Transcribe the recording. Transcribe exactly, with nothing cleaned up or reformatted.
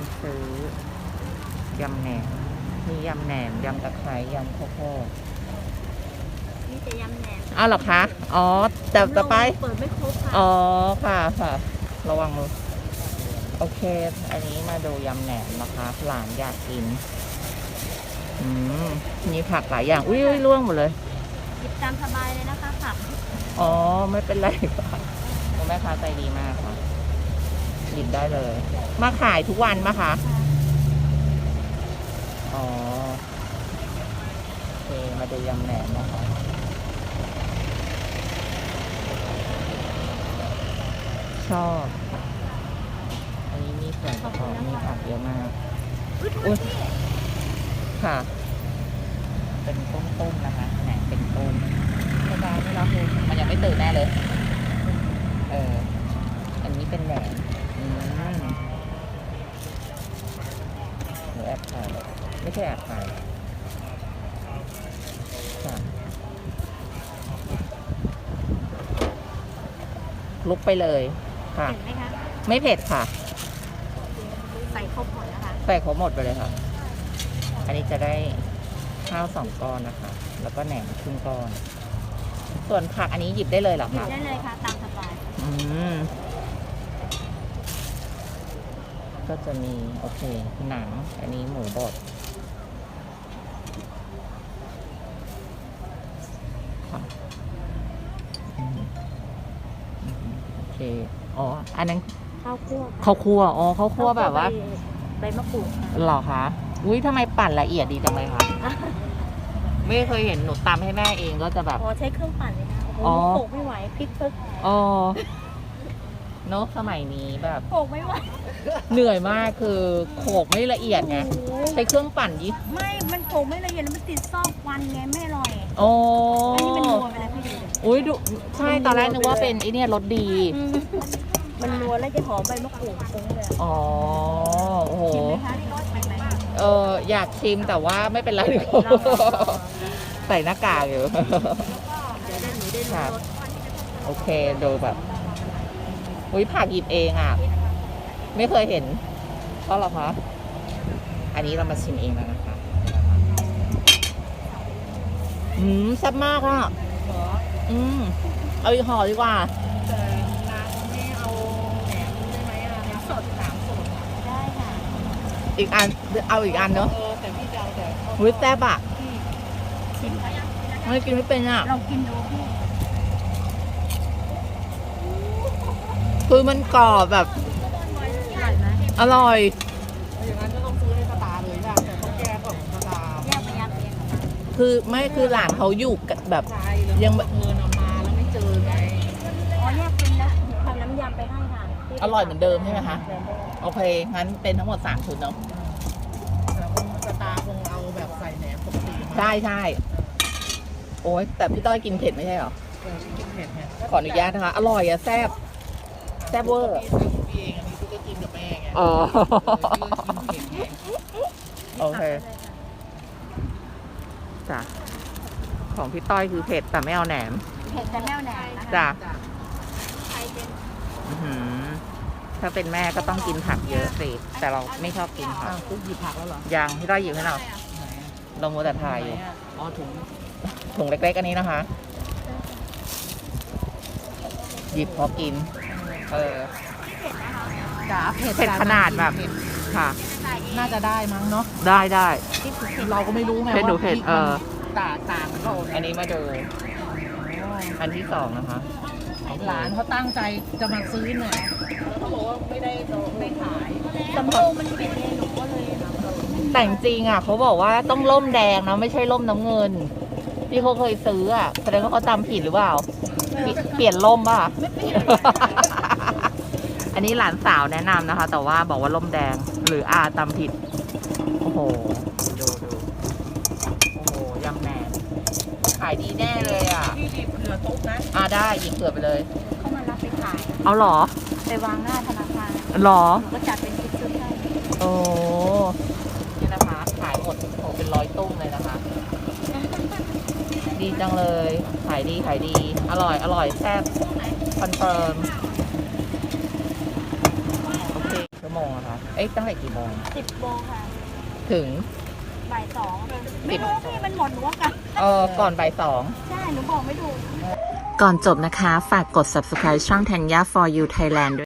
ซื้อยำแหนมมียำแหนมยำตะไคร้ยำข้าวโพดนี่จะยำแหนมอ้าวเหรอคะอ๋อแต่ต่อไปเปิดไม่ครบค่ะอ๋อค่ะค่ะระวังมือโอเคอันนี้มาดูยำแหนมนะคะหลานอยากกินอืมมีผักหลายอย่างอุ้ยล่วงหมดเลยหยิบตามสบายเลยนะคะผักอ๋อไม่เป็นไรค่ะคุณแม่ค้าใจดีมากค่ะหยิบได้เลยมาขายทุกวันปะคะอ๋อโอเคมาดูยำแหนมนะคะชอบอันนี้มีส่วนประกอบมีผักเยอะมากอุ้ยค่ะเป็นต้มๆนะคะแหนมเป็นต้มกระดาษไม่รับเลยมันยังไม่ตื่นแน่เลยเอออันนี้เป็นแหนมอืมหนูแอบถ่ายไม่ใช่แอบถ่ายค่ะลุกไปเลยค่ะเห็นไหมคะไม่เผ็ดค่ะใส่ครบหมดนะคะใส่ครบหมดไปเลยค่ะอันนี้จะได้ข้าวสองก้อนนะคะแล้วก็แหนมครึ่งก้อนส่วนผักอันนี้หยิบได้เลยเหรอหยิบคะได้เลยค่ะตามสบายอืมก็จะมีโอเคหนังอันนี้หมูบดค่ะอืมโอเคอ๋ออันนั้นข้าวคั่วข้าวคั่วอ๋อข้าวคั่วแบบว่าใบมะกรูดหรอคะอุ้ยทำไมปั่นละเอียดดีจังเลยคะไม่เคยเห็นหนูตำให้แม่เองก็จะแบบอ๋อใช้เครื่องปั่นเลยนะโอ้โหโขกไม่ไหวพริกปึ๊กอ๋อเนอะสมัยนี้แบบโขกไม่ไหวเหนื่อยมากคือโขกไม่ละเอียดไงใช้เครื่องปั่นยิ่ไม่มันโขกไม่ละเอียดมันติดซอกควันไงไม่อร่อยโอ้อันนี้มันนัวไปแล้วพี่ดูอุ้ยดูใช่ตอนแรกนึกว่าเป็นไอเนี่ยรสดีมันนัวแล้วจะหอมใบมะกรูดฟุ้งเลยอ๋อโอ้โหชิมไหมคะที่รสเป็นไหมเอออยากชิมแต่ว่าไม่เป็นไรใส่หน้ากากอยู่ค่ะโอเคดูแบบอุ้ยผักหยิบเองอ่ะไม่เคยเห็นเพราะหรอคะอันนี้เรามาชิมเองแล้วนะคะอืมแซ่บมากอ่ะอืมเอาอีกห่อดีกว่าอีกอันเอาอีกอันเนอะแต่พี่จะเอาแต่หุ้ยแซ่บอ่ะชิมเขายังไม่กินไม่เป็นอ่ะเรากินดูพี่คือมันกรอบแบบอร่อยอย่างนั้นก็ต้องซื้อให้สตาร์เลยนะแต่ต้องแยกก่อนสตาร์แยกไปยำเองคือไม่คือหลานเขาอยู่แบบยังเงินเอามาแล้วไม่เจอไงอ๋อแยกเป็นแล้วทำน้ำยำไปให้ค่ะอร่อยเหมือนเดิมใช่ไหมคะโอเคงั้นเป็นทั้งหมดสามชุดเนาะสตาร์คงเอาแบบใส่แหนมปกติใช่ใช่โอ้ยแต่พี่ต้อยกินเผ็ดไม่ใช่หรอกินเผ็ดไงขออนุญาตนะคะอร่อยอะแซ่บแซ่บเวอร์พี่เองอันนี้พี่ก็กินกับแม่ไงอ๋อโอเคจ้ะของพี่ต้อยคือเผ็ดแต่ไม่เอาแหนมเผ็ดแต่ไม่เอาแหนมจ้ะถ้าเป็นแม่ก็ต้องกินผักเยอะสิแต่เราไม่ชอบกินผักปุ๊บหยิบผักแล้วเหรอยังพี่ต้อยหยิบให้เราเราโมแต่ถ่ายอยู่อ๋อถุงถุงเล็กๆอันนี้นะคะหยิบพอกินเออจ๋าเผ็ดเผ็ดขนาดแบบค่ะน่าจะได้มั้งเนาะได้ได้เราก็ไม่รู้ไงว่าเผ็ดหนูเผ็ดเออต่างต่างก็อันนี้มาดูอันที่สองนะคะหลานเขาตั้งใจจะมาซื้อเนี่ยแล้วเขาบอกว่าไม่ได้ไม่ขายสมโภชมันเผ็ดเองหนูก็เลยแต่จริงอ่ะเขาบอกว่าต้องร่มแดงนะไม่ใช่ร่มน้ำเงินที่เขาเคยซื้ออ่ะแสดงว่าเขาจำผิดหรือเปล่าเปลี่ยนร่มป่ะอันนี้หลานสาวแนะนำนะคะแต่ว่าบอกว่าร่มแดงหรืออาจำผิดโอ้โหดูดูโอ้โหยำแหนมขายดีแน่เลยอ่ะพี่หยิบเผื่อตุ๊กนะอ่าได้หยิบเผื่อไปเลยเขามารับไปขายเอาหรอไปวางหน้าธนาคารหรอก็จัดเป็นชุดๆให้โอ้นี่นะคะขายหมดโหเป็นร้อยตุ้มเลยนะคะดีจังเลยขายดีขายดีอร่อยอร่อยแซ่บคอนเฟิร์มโอเคชั่วโมงนะคะเอ้ยตั้งแต่กี่โมงสิบโมงค่ะถึงบ่ายสองไม่รู้พี่มันหมดหนูว่ากลับเออก่อนบ่ายสองใช่หนูบอกไม่ถูกก่อนจบนะคะ ฝากกด subscribe ช่อง Tanya for you Thailand ด้วย